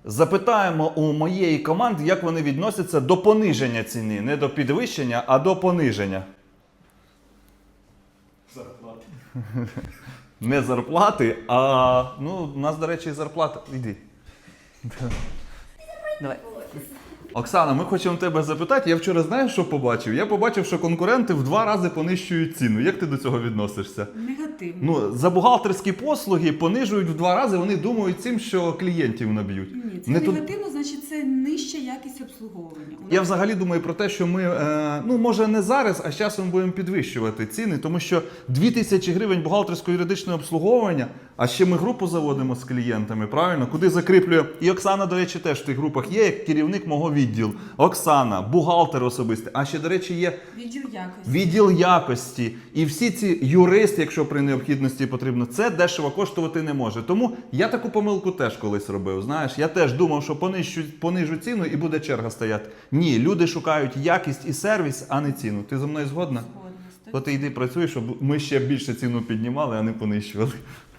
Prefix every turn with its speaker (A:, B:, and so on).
A: Запитаємо у моєї команди, як вони відносяться до пониження ціни. Не до підвищення, а до пониження.
B: Зарплати.
A: Не зарплати, а у нас, до речі, зарплата. Іди.
C: Давай.
A: Оксана, ми хочемо тебе запитати. Я вчора знаєш, що побачив? Я побачив, що конкуренти в 2 рази понищують ціну. Як ти до цього відносишся?
C: Негативно.
A: За бухгалтерські послуги понижують в 2 рази, вони думають цим, що клієнтів наб'ють.
C: Ні, це
A: Не тут-
C: негативно, значить це нижча якість обслуговування.
A: Я взагалі думаю про те, що ми, може не зараз, а з часом будемо підвищувати ціни, тому що 2000 гривень бухгалтерсько-юридичне обслуговування, а ще ми групу заводимо з клієнтами, правильно? Куди закріплює. І Оксана, до речі, теж в тих групах є, як керівник мого відділу. Оксана, бухгалтер особистий. А ще, до речі, є
C: Відділ якості.
A: відділ якості. І всі ці юристи, якщо при необхідності потрібно, це дешево коштувати не може. Тому я таку помилку теж колись робив. Знаєш, я теж думав, що понижу ціну і буде черга стояти. Ні, люди шукають якість і сервіс, а не ціну. Ти зі мною згодна?
C: Згодна.
A: То ти йди працюй, щоб ми ще більше ціну піднімали, а не понищували.